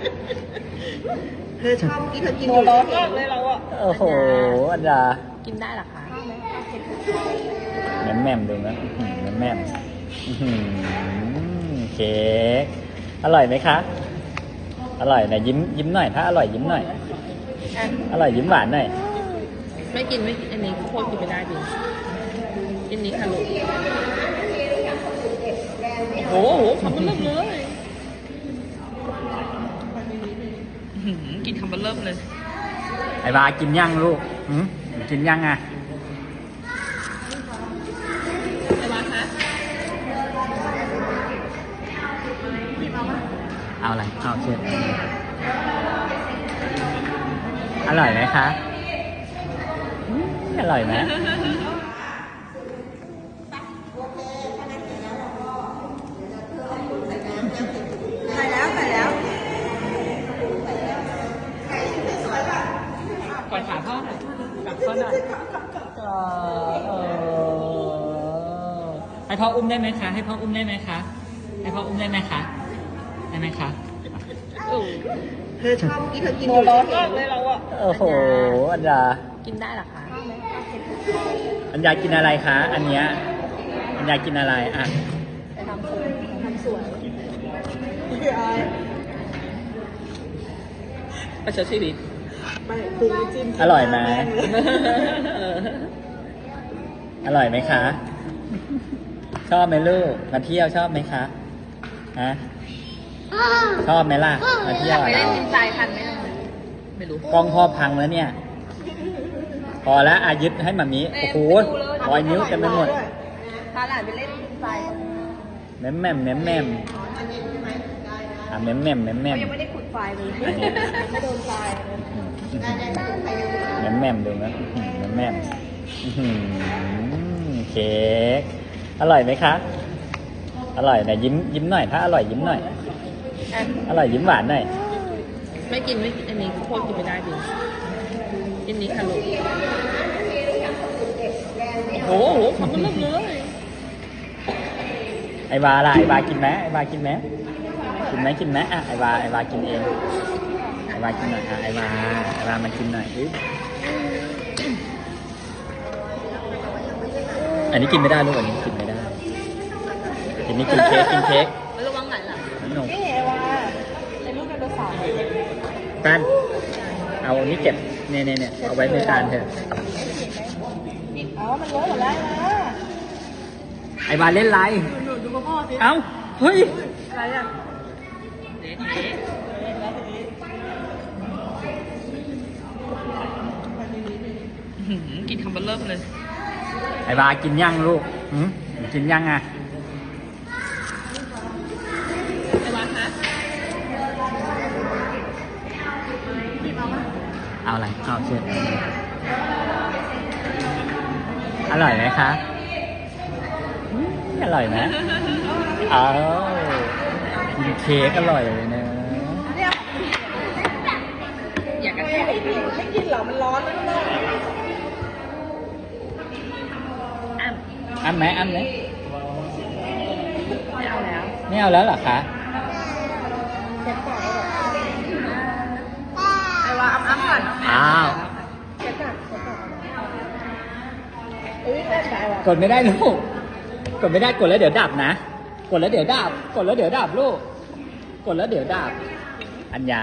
เธอชอบกินเธอกินตัวร้อนมากเลยเราอะโอ้โหอันดากินได้หรอคะแม่มแม่มดูนะแม่มแม่มเค้กอร่อยไหมคะ อร่อยนะยิ้มหน่อยถ้าอร่อยยิ้มหน่อย อร่อยยิ้มหวานหน่อยไม่กินอันนี้โคตรกินไม่ได้จริงกินนี้ค่ะลูกโอ้โหคำมันเริ่มเลยกินคำมันเริ่มเลยไอ้บากินยังลูกกินยังอ่ะไอ้วาคะเอาอะไรเอาเชิญอร่อยไหมคะอร่อยไหมใส่แล้วใส่แล้วก่อนขาพ่อหน่อยกลับพ่อหน่อยให้พ่ออุ้มได้ไหมคะให้พ่ออุ้มได้ไหมคะให้พ่ออุ้มได้ไหมคะได้ไหมคะเธอชอบกินเธอกินตัวร้อนมากเลยเราอะโอ้โหอันดากินได้หรอคะอันยากินอะไรคะอันเนี้ยอันยากินอะไรอ่ะไปทำสวนประชดชีวิตไม่ปรุงไม่จิ้มอร่อยไหมอร่อยไหมคะ ชอบไหมลูกมาเที่ยวชอบไหมคะฮะชอบไหมล่ะมาเที่ยวไปอะเล่เรานดินทรายทันไหมไม่รู้กล้องพ่อพังแล้วเนี่ย พอแล้วอายึดให้มามีโอ้โหรอยนิ้วเต็มไปหมดพาหลานไปเล่นดินทรายแม่มแม่มแม่มแม่มอ่ะแม่มแม่มแม่มแม่มยังไม่ได้ขุดไฟเลยไม่โดนไฟเลยแม่มแม่มดูนะแม่มแม่มเค้กอร่อยไหมคะ อร่อยนะยิ้มหน่อยถ้าอร่อยยิ้มหน่อย อร่อยยิ้มหวานหน่อยไม่กินอันนี้โคตรกินไม่ได้จริงกินนี้ค่ะลูกโอ้โหคำมันเริ่มเลยไอ้บาล่ะไอ้บากินไหมไอ้บากินไหมกินไหมอ่ะไอ้บากินเองไอ้บากินหน่อยอ่ะไอ้บามากินหน่อยอันนี้กินไม่ได้ลูกอันนี้กินไม่ได้กินนี่กินเค้กระวังไหนล่ะหนุ่มนี่ไอ้วาเป็นลูกไดโนเสาร์กันเอาอันนี้เก็บเนี่ยเอาไว้ในจานเถอะอ๋อมันเลอะหมดแล้วนะไอ้บาเล่นไรดูพ่อสิเอ้าเฮ้ยอะไรอ่ะเด็กินคำมันเริ่มเลยไอ้บากินยังลูกกินยังอ่ะไอ้วาคะเอาอะไรเอาเชิญอร่อยไหมคะอร่อยไหมเอากินเค้กอร่อยเลยนะอยากกระแทกไม่กินเหรอมันร้อนนะลูกอ้ำอ้ำไหมไม่เอาแล้วไม่เอาแล้วเหรอคะไอ้ว่าอ้ำก่อนอ้าวเช็ดก่อนอุ้ยแม่ใส่ว่ะกดไม่ได้ลูกกดไม่ได้กดแล้วเดี๋ยวดับนะกดแล้วเดี๋ยวดับกดแล้วเดี๋ยวดับลูกกดแล้วเดี๋ยวดับอัญญา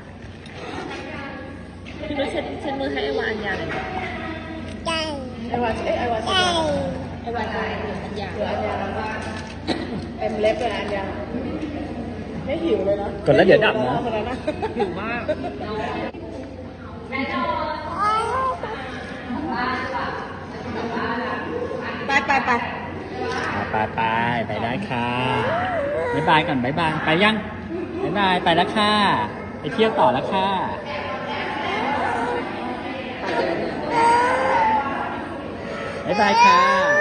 พี่นุ้ยเช็ดมือให้ไอ้วาอัญญาหน่อยไอ้ว่าไอ้ว่าใส่ไอ้วาอัญญาเดี๋ยวอันยาเต็มเล็บเลยอันยาไม่หิวเลยนะกดแล้วเดี๋ยวดับนะคนนั้นนะหิวมากไปไปได้ค่ะบ๊ายบายก่อนบ๊ายบายไปยังบ๊ายบายไปแล้วค่ะไปเที่ยวต่อแล้วค่ะบ๊ายบายค่ะ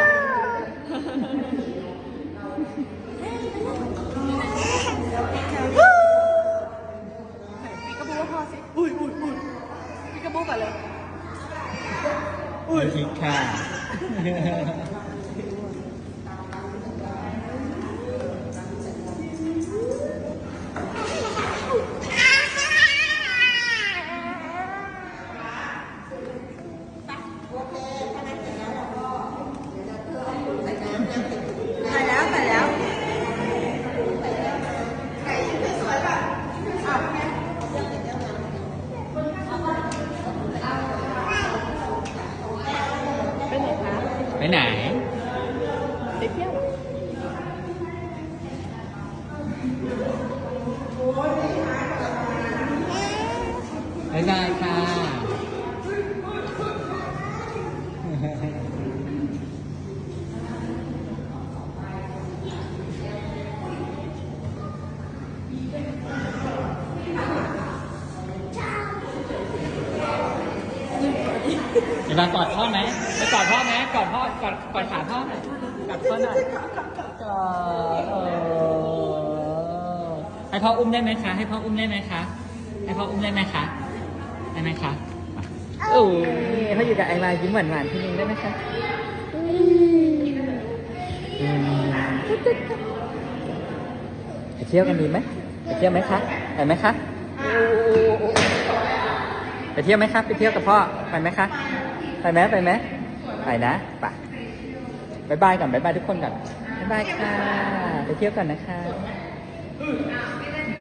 ปีกระบูพ่อสิอุ้ยปีกระบูก่อนเลยคิดค่ะไหนไปเที่ยวบ๊ายบายค่ะไอ้บากอดพ่อไหมไปกอดพ่อไหมกอดพ่อกอดขาพ่อหน่อยกอดพ่อหน่อยกอดให้พ่ออุ้มได้ไหมคะ ให้พ่ออุ้มได้ไหมคะ ให้พ่ออุ้มได้ไหมคะ ได้ไหมคะโอ้ยเขาอยู่กับไอวายิ้มหวานๆทีนึงได้ไหมคะไปเที่ยวกันดีไหมไปเที่ยวไหมคะไปไหมคะไปเที่ยวไหมคะไปเที่ยวกับพ่อไปไหมคะไปไหมไปไหมไปนะไปบ๊ายบายก่อนบ๊ายบายทุกคนก่อนบ๊ายบายค่ะไปเที่ยวก่อนนะคะ